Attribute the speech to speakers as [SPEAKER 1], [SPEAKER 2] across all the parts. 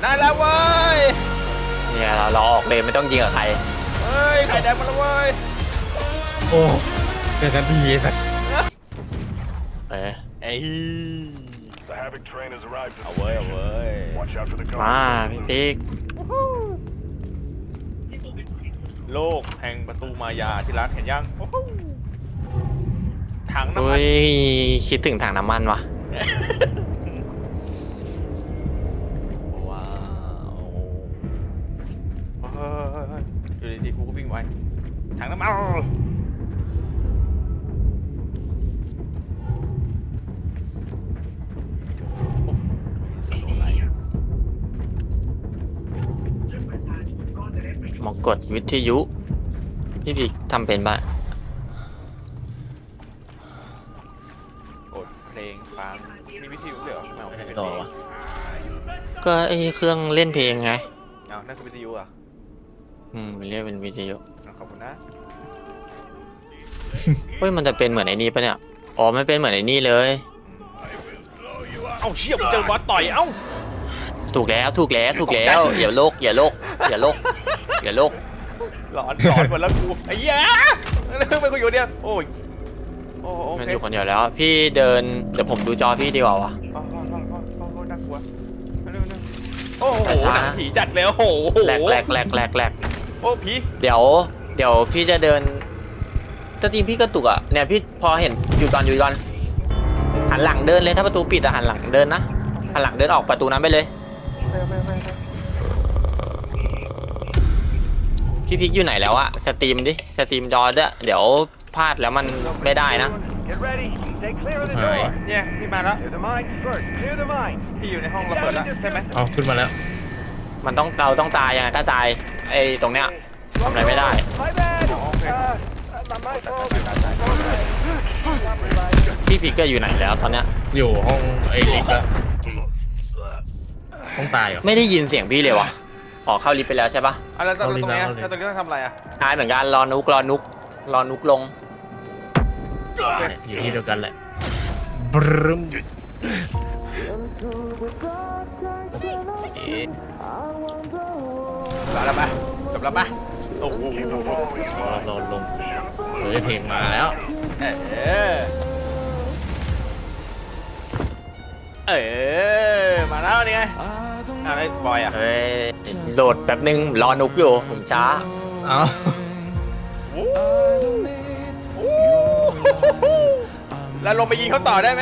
[SPEAKER 1] ได้แล้วเว้ย
[SPEAKER 2] เนี่ยเราออกเลยไม่ต้องยิงกับใคร
[SPEAKER 1] เฮ้ยไข่แดงมาแล้วเว้ย
[SPEAKER 3] โอ้เจอกันทีสัก
[SPEAKER 2] เอ้ย
[SPEAKER 1] เอาเว้ยเอาเว้ย
[SPEAKER 2] มาพี่ติ๊ก
[SPEAKER 1] โลกแห่งประตูมายาที่รักเห็นยังถังน้ำมั
[SPEAKER 2] อุ้
[SPEAKER 1] น
[SPEAKER 2] ยคิดถึงถังน้ำมันวะ
[SPEAKER 1] ว้าวอยู่ดีๆกูก็วิ่งไวถังน้ำมัน
[SPEAKER 2] มองกดวิทยุพี่ติ๊กทำเป็นปะ
[SPEAKER 1] กดเพลงฟังมีวิทยุด้วยเหรอไม่เอาไม่ใช่เพล
[SPEAKER 3] ต่อง วะ
[SPEAKER 2] ก็ไอเครื่องเล่นเพลงไง
[SPEAKER 1] เอานั่นคือวิทยุอ่ะ
[SPEAKER 2] เรียกเป็นวิทยุ
[SPEAKER 1] ขอบคุณนะ
[SPEAKER 2] เฮ้ยมันจะเป็นเหมือนไอ้นี่ปะเนี่ยอ๋อไม่เป็นเหมือนไอ้นี่เลย
[SPEAKER 1] เอ้าเชี่ยเจอบอสต่อยเอ้า
[SPEAKER 2] ถูกแล้วอย่าโลกอย่าโลกอย่าโลกอย่าโลก
[SPEAKER 1] หลอนหมดแล้วกูไอ้เหี้ยไม่กูอยู่เดียวโอ้ยโอ้โอ
[SPEAKER 2] มัน
[SPEAKER 1] เค
[SPEAKER 2] อยู่คนเดียวแล้วพี่เดินเดี๋ยวผมดูจอพี่ดีกว่าวะ
[SPEAKER 1] น่ากลัวโอ้โหหนังผีจัดเลยโอ้โห
[SPEAKER 2] แหลก
[SPEAKER 1] โอ้ผี
[SPEAKER 2] เดี๋ยวพี่จะเดินสตรีมพี่กระตุกอ่ะเนี่ยพี่พอเห็นอยู่ก่อนหันหลังเดินเลยถ้าประตูปิดอะหันหลังเดินนะหันหลังเดินออกประตูนั้นไปเลยพี่พิกอยู่ไหนแล้วอะสตรีมจอด้วยเดี๋ยวพลาดแล้วมันไม่ได้นะ
[SPEAKER 3] หาย
[SPEAKER 1] เนี่ยพี่มาแล้วพี่อยู่ในห้องระเบิดแล้วใช่ไหม
[SPEAKER 3] เอาขึ้นมาแล้ว
[SPEAKER 2] เราต้องตายยังไงก็ตายไอ้ตรงเนี้ยทำอะไรไม่ได้พี่พิกก็อยู่ไหนแล้วตอนเนี้ย
[SPEAKER 3] อยู่ห้องไอ้ลิฟต์แล้วห้องตายเหรอ
[SPEAKER 2] ไม่ได้ยินเสียงพี่เลยวะออกเข้าลิฟต์ไปแล้วใช่ปะ
[SPEAKER 1] แล้วตรงนี้แล้วตรงนี้ต้องทำอะไรอ่ะ
[SPEAKER 2] ตายเหมือนกันรอนุกลง
[SPEAKER 3] อยู่ที่เดียวกันแหละบรึ้ม
[SPEAKER 1] จบแล้วปะโอ้โห
[SPEAKER 3] รอลงเฮ้ยเพลงมาแล้ว
[SPEAKER 1] มาแล้วนี่ไงอะไรบอยอ่ะ
[SPEAKER 2] เฮ้ยโดดแป๊บนึงรอนุกอยู่ผมช้า
[SPEAKER 3] เอา
[SPEAKER 1] แล้วลงไปยิงเขาต่อได้ไหม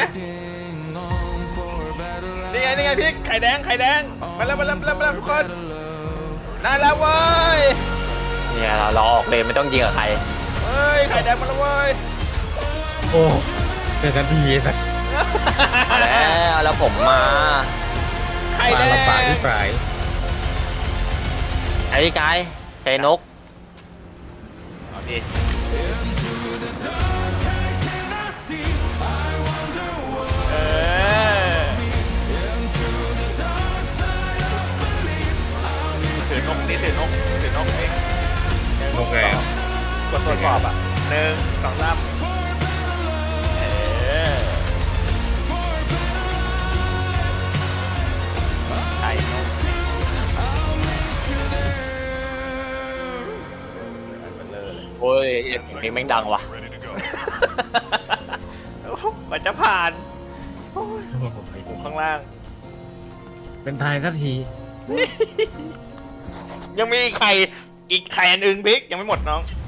[SPEAKER 1] นี่ไงพี่ไข่แดงมาแล้วทุกคนได้แล้วเว้ย
[SPEAKER 2] เนี่ยเราออกเลยไม่ต้องยิงกับใคร
[SPEAKER 1] เฮ้ยไข่แดงมาแล้วเว้ย
[SPEAKER 3] โอ้เจอกันทีสัก
[SPEAKER 2] แล้วผมมา
[SPEAKER 1] ไข่แด
[SPEAKER 3] มาง ลำบากที่ปลาย
[SPEAKER 2] ไอ้กายใช้นก
[SPEAKER 1] เอาดิถือนกนี่ถือนกเอง
[SPEAKER 3] นกแรง
[SPEAKER 1] กดตรวจสอบอ่ะ1 2 3ไอ้นก
[SPEAKER 2] โอ้ยเพลงแม่งดังว่ะ
[SPEAKER 1] มันจะผ่านอยู่ข้างล่าง
[SPEAKER 3] เป็นทายสักที
[SPEAKER 1] ยังมีอีกไข่อันอื่นพิกยังไม่หมดน้อง